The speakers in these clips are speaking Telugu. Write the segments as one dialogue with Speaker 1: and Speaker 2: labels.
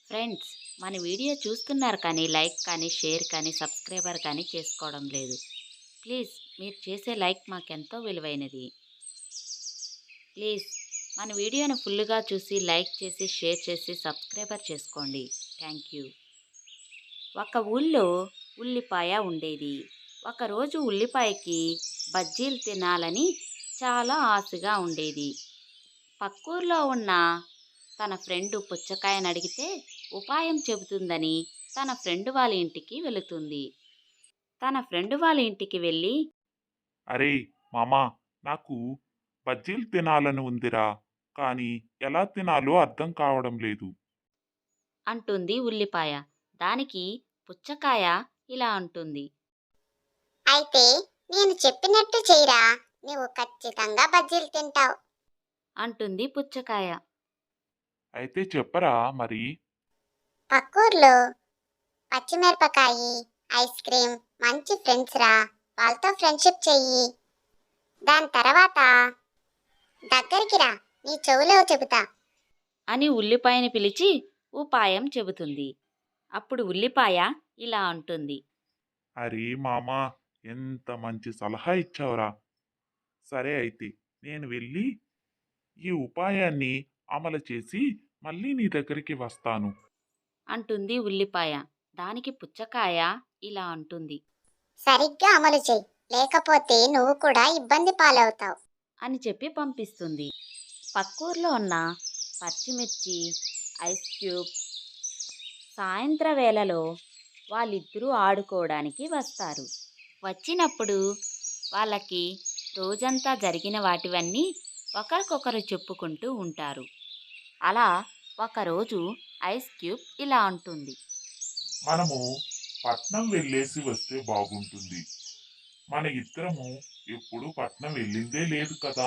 Speaker 1: ఫ్రెండ్స్, మన వీడియో చూస్తున్నారు కానీ లైక్ కానీ షేర్ కానీ సబ్స్క్రైబర్ కానీ చేసుకోవడం లేదు. ప్లీజ్ మీరు చేసే లైక్ మాకెంతో విలువైనది. ప్లీజ్ మన వీడియోను ఫుల్గా చూసి లైక్ చేసి షేర్ చేసి సబ్స్క్రైబర్ చేసుకోండి. Thank you. ఒక ఊళ్ళో ఉల్లిపాయ ఉండేది. ఒకరోజు ఉల్లిపాయకి బజ్జీలు తినాలని చాలా ఆశగా ఉండేది. పక్కూర్లో ఉన్న తన ఫ్రెండు పుచ్చకాయని అడిగితే ఉపాయం చెబుతుందని తన ఫ్రెండ్ వాళ్ళ ఇంటికి వెళుతుంది. తన ఫ్రెండ్ వాళ్ళ ఇంటికి వెళ్ళి
Speaker 2: అరే మామా, నాకు బజ్జీలు తినాలని ఉందిరా. కానీ ఎలా తినాలో అర్థం కావడం లేదు.
Speaker 1: అంటుంది ఉల్లిపాయ. దానికి పుచ్చకాయ ఇలా అంటుంది.
Speaker 3: అయితే నేను చెప్పినట్టు చెయ్యిరా, నువ్వు ఖచ్చితంగా బజ్జీలు తింటావు.
Speaker 1: అంటుంది పుచ్చకాయ.
Speaker 2: అయితే చెప్పరా మరి.
Speaker 3: పక్కూర్లో పచ్చిమిరపకాయి, ఐస్ క్రీమ్ మంచి ఫ్రెండ్స్ రా. వాళ్ళతో ఫ్రెండ్షిప్ చెయ్యి. దాని తర్వాత దగ్గరికి రా, నీ చెవులో చెబుతా.
Speaker 1: అని ఉల్లిపాయని పిలిచి ఉపాయం చెబుతుంది. అప్పుడు ఉల్లిపాయ ఇలా అంటుంది.
Speaker 2: అరే మామా, ఎంత మంచి సలహా ఇచ్చావురా. సరే అయితే నేను వెళ్ళి ఈ ఉపాయాన్ని అమలు చేసి మళ్ళీ నీ దగ్గరికి వస్తాను.
Speaker 1: అంటుంది ఉల్లిపాయ. దానికి పుచ్చకాయ ఇలా అంటుంది.
Speaker 3: సరిగ్గా అమలు చెయ్యి, లేకపోతే నువ్వు కూడా ఇబ్బంది పాలవుతావు.
Speaker 1: అని చెప్పి పంపిస్తుంది. పక్కూర్లో ఉన్న పచ్చిమిర్చి, ఐస్ క్యూబ్ సాయంత్ర వేళలో వాళ్ళిద్దరూ ఆడుకోవడానికి వస్తారు. వచ్చినప్పుడు వాళ్ళకి రోజంతా జరిగిన వాటివన్నీ ఒకరికొకరు చెప్పుకుంటూ ఉంటారు. అలా ఒకరోజు ఐస్ క్యూబ్ ఇలా అంటుంది.
Speaker 2: మనము పట్నం వెళ్ళేసి వస్తే బాగుంటుంది. మన ఇద్దరము ఎప్పుడు పట్నం వెళ్ళిందే లేదు కదా.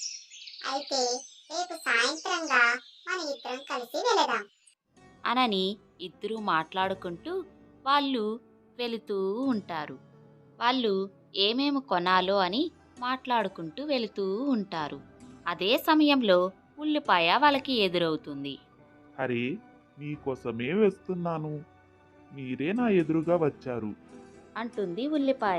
Speaker 3: అయితే రేపు సాయంత్రంగా మన ఇద్దరం కలిసి వెళదాం.
Speaker 1: అనని ఇద్దరూ మాట్లాడుకుంటూ వాళ్ళు వెళుతూ ఉంటారు. వాళ్ళు ఏమేమి కొనాలో అని మాట్లాడుకుంటూ వెళుతూ ఉంటారు. అదే సమయంలో ఉల్లిపాయ వాళ్ళకి ఎదురవుతుంది.
Speaker 2: అరే, మీకోసమే వేస్తున్నాను. మీరే నా ఎదురుగా వచ్చారు.
Speaker 1: అంటుంది ఉల్లిపాయ.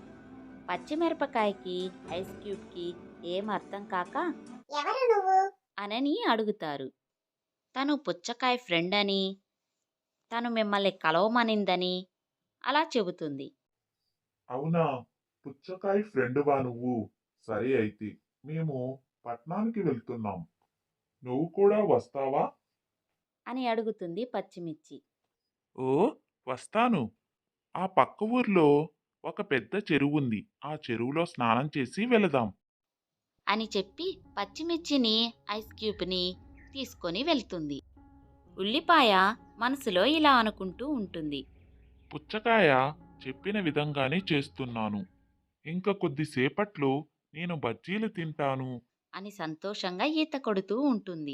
Speaker 1: పచ్చిమిరపకాయకి ఐస్ క్యూబ్కి ఏం అర్థం కాక
Speaker 3: ఎవరు నువ్వు?
Speaker 1: అనని అడుగుతారు. తను పుచ్చకాయ ఫ్రెండ్ అని, తను మిమ్మల్ని కలవమనిందని అలా చెబుతుంది.
Speaker 2: అవునా, పుచ్చకాయ ఫ్రెండువా నువ్వు? సరే అయితే మేము పట్నానికి వెళ్తున్నాం. నువ్వు కూడా వస్తావా?
Speaker 1: అని అడుగుతుంది పచ్చిమిర్చి.
Speaker 2: ఓ, వస్తాను. ఆ పక్క ఊర్లో ఒక పెద్ద చెరువుంది. ఆ చెరువులో స్నానం చేసి వెళదాం.
Speaker 1: అని చెప్పి పచ్చిమిర్చిని ఐస్ క్యూబ్ని తీసుకొని వెళ్తుంది. ఉల్లిపాయ మనసులో ఇలా అనుకుంటూ ఉంటుంది.
Speaker 2: పుచ్చకాయ చెప్పిన విధంగానే చేస్తున్నాను. ఇంకా కొద్దిసేపట్లో నేను బజ్జీలు తింటాను.
Speaker 1: అని సంతోషంగా ఈత కొడుతూ ఉంటుంది.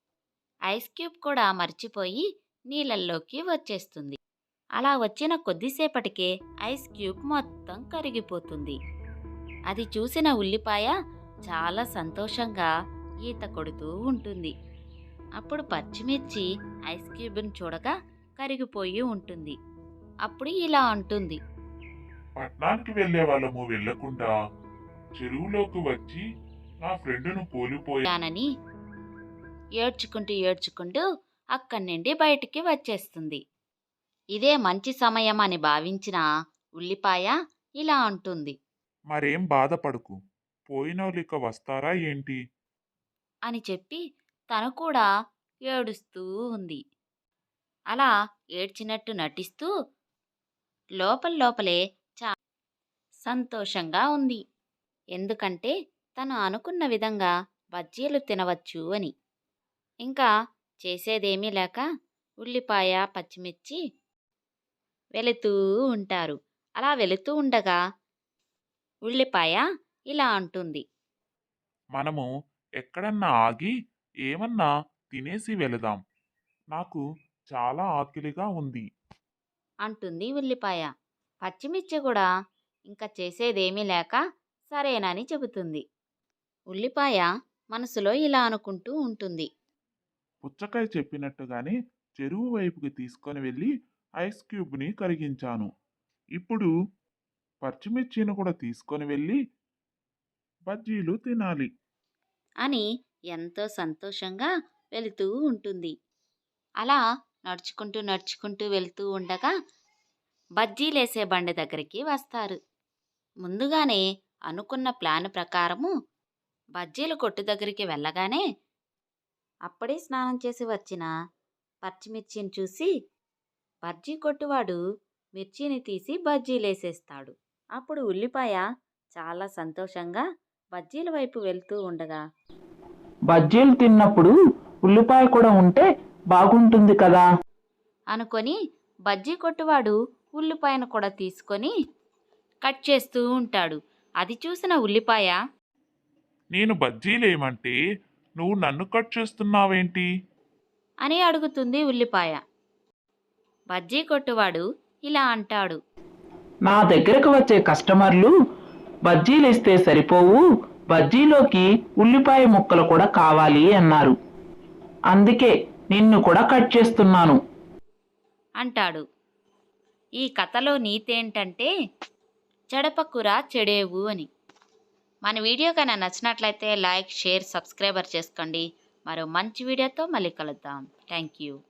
Speaker 1: ఐస్ క్యూబ్ కూడా మర్చిపోయి నీళ్ళల్లోకి వచ్చేస్తుంది. అలా వచ్చిన కొద్దిసేపటికే ఐస్ క్యూబ్ మొత్తం కరిగిపోతుంది. అది చూసిన ఉల్లిపాయ చాలా సంతోషంగా ఈత కొడుతూ ఉంటుంది. అప్పుడు పచ్చిమిర్చి ఐస్ క్యూబ్ని చూడగా కరిగిపోయి ఉంటుంది. అప్పుడు ఇలా అంటుంది.
Speaker 2: పట్నానికి వెళ్ళే వాళ్ళము వెళ్ళకుండా చెరువులోకి వచ్చి నా ఫ్రెండును కోల్పోయా.
Speaker 1: "యానని" ఏడ్చుకుంటూ ఏడ్చుకుంటూ అక్కడి నుండి బయటికి వచ్చేస్తుంది. ఇదే మంచి సమయం అని భావించిన ఉల్లిపాయ ఇలా అంటుంది.
Speaker 2: మరేం బాధపడకు. పోయినోళ్ళిక వస్తారా ఏంటి?
Speaker 1: అని చెప్పి తను కూడా ఏడుస్తూ ఉంది. అలా ఏడ్చినట్టు నటిస్తూ లోపల లోపలే చాలా సంతోషంగా ఉంది. ఎందుకంటే తను అనుకున్న విధంగా బజ్జీలు తినవచ్చు అని. ఇంకా చేసేదేమీ లేక ఉల్లిపాయ, పచ్చిమిర్చి వెళుతూ ఉంటారు. అలా వెళుతూ ఉండగా ఉల్లిపాయ ఇలా అంటుంది.
Speaker 2: మనము ఎక్కడన్నా ఆగి ఏమన్నా తినేసి వెళదాం. నాకు చాలా ఆకలిగా ఉంది.
Speaker 1: అంటుంది ఉల్లిపాయ. పచ్చిమిర్చి కూడా ఇంకా చేసేదేమీ లేక సరేనని చెబుతుంది. ఉల్లిపాయ మనసులో ఇలా అనుకుంటూ ఉంటుంది.
Speaker 2: పుచ్చకాయ చెప్పినట్టుగానే చెరువు వైపుకి తీసుకొని వెళ్ళి ఐస్ క్యూబ్ని కరిగించాను. ఇప్పుడు పచ్చిమిర్చిని కూడా తీసుకొని వెళ్ళి బజ్జీలు తినాలి.
Speaker 1: అని ఎంతో సంతోషంగా వెళుతూ ఉంటుంది. అలా నడుచుకుంటూ వెళ్తూ ఉండగా బజ్జీలేసే బండి దగ్గరికి వస్తారు. ముందుగానే అనుకున్న ప్లాన్ ప్రకారము బజ్జీల కొట్టు దగ్గరికి వెళ్ళగానే అప్పుడే స్నానం చేసి వచ్చిన పచ్చిమిర్చిని చూసి బజ్జీ కొట్టువాడు మిర్చిని తీసి బజ్జీలేసేస్తాడు. అప్పుడు ఉల్లిపాయ చాలా సంతోషంగా బజ్జీల వైపు వెళ్తూ ఉండగా
Speaker 4: బజ్జీలు తిన్నప్పుడు ఉల్లిపాయ కూడా ఉంటే బాగుంటుంది కదా.
Speaker 1: అనుకొని బజ్జీ కొట్టువాడు ఉల్లిపాయను కూడా తీసుకొని కట్ చేస్తూ ఉంటాడు. అది చూసిన ఉల్లిపాయ
Speaker 2: నేను బజ్జీలేమంటే నువ్వు నన్ను కట్ చేస్తున్నావేంటి?
Speaker 1: అని అడుగుతుంది ఉల్లిపాయ. బజ్జీ కొట్టువాడు ఇలా అంటాడు.
Speaker 4: నా దగ్గరకు వచ్చే కస్టమర్లు బజ్జీలు ఇస్తే సరిపోవు, బజ్జీలోకి ఉల్లిపాయ ముక్కలు కూడా కావాలి అన్నారు. అందుకే నిన్ను కూడా కట్ చేస్తున్నాను
Speaker 1: అంటాడు. ఈ కథలో నీతేంటంటే చెడపకురా చెడేవు అని. మన వీడియో కన్నా నచ్చినట్లయితే లైక్, షేర్, సబ్స్క్రైబర్ చేసుకోండి. మరో మంచి వీడియోతో మళ్ళీ కలుద్దాం. Thank you.